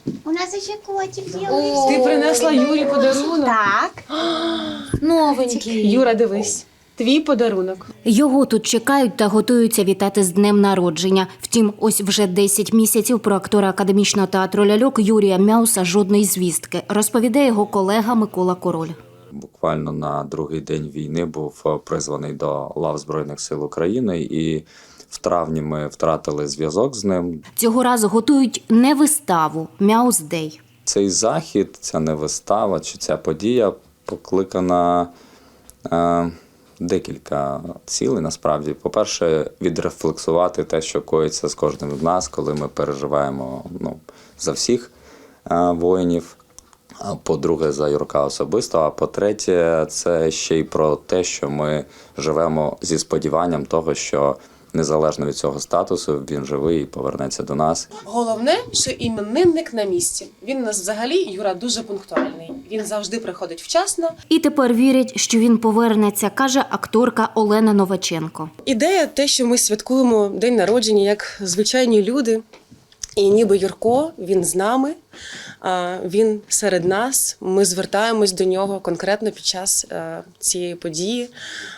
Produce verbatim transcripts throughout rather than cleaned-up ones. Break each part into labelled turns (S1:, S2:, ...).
S1: У нас ще котик з'явився.
S2: Ти принесла Юрі подарунок?
S1: Так.
S2: Новенький. Юра, дивись. Твій подарунок.
S3: Його тут чекають та готуються вітати з днем народження. Втім, ось вже десять місяців про актора академічного театру ляльок Юрія Мяуса жодної звістки, розповідає його колега Микола Король.
S4: Буквально на другий день війни був призваний до лав Збройних сил України, і в травні ми втратили зв'язок з ним.
S3: Цього разу готують не виставу «Мяус Дей».
S4: Цей захід, ця не вистава чи ця подія покликана е, декілька цілей, насправді. По-перше, відрефлексувати те, що коїться з кожним з нас, коли ми переживаємо ну, за всіх е, воїнів. По-друге, за Юрка особисто, а по-третє, це ще й про те, що ми живемо зі сподіванням того, що незалежно від цього статусу він живий і повернеться до нас.
S2: Головне, що іменинник на місці. Він у нас взагалі, Юра, дуже пунктуальний. Він завжди приходить вчасно.
S3: І тепер вірять, що він повернеться, каже акторка Олена Новаченко.
S2: Ідея те, що ми святкуємо день народження як звичайні люди. І ніби Юрко, він з нами, він серед нас, ми звертаємось до нього конкретно під час цієї події.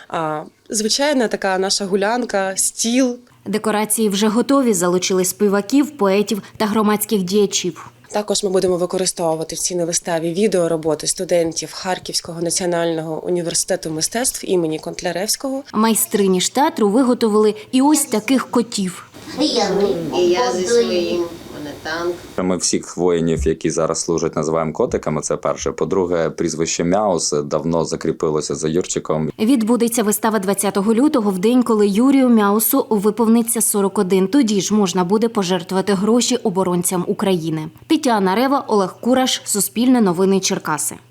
S2: Звичайна така наша гулянка, стіл.
S3: Декорації вже готові, залучили співаків, поетів та громадських діячів.
S2: Також ми будемо використовувати в цій виставі відеороботи студентів Харківського національного університету мистецтв імені Контляревського.
S3: Майстрині ж театру виготовили і ось таких котів.
S1: І
S5: я зі своїм, у мене танк.
S4: Ми всіх воїнів, які зараз служать, називаємо котиками, це перше. По-друге, прізвище Мяус давно закріпилося за Юрчиком.
S3: Відбудеться вистава двадцятого лютого, в день, коли Юрію Мяусу виповниться сорок один. Тоді ж можна буде пожертвувати гроші оборонцям України. Тетяна Рева, Олег Кураш, Суспільне новини Черкаси.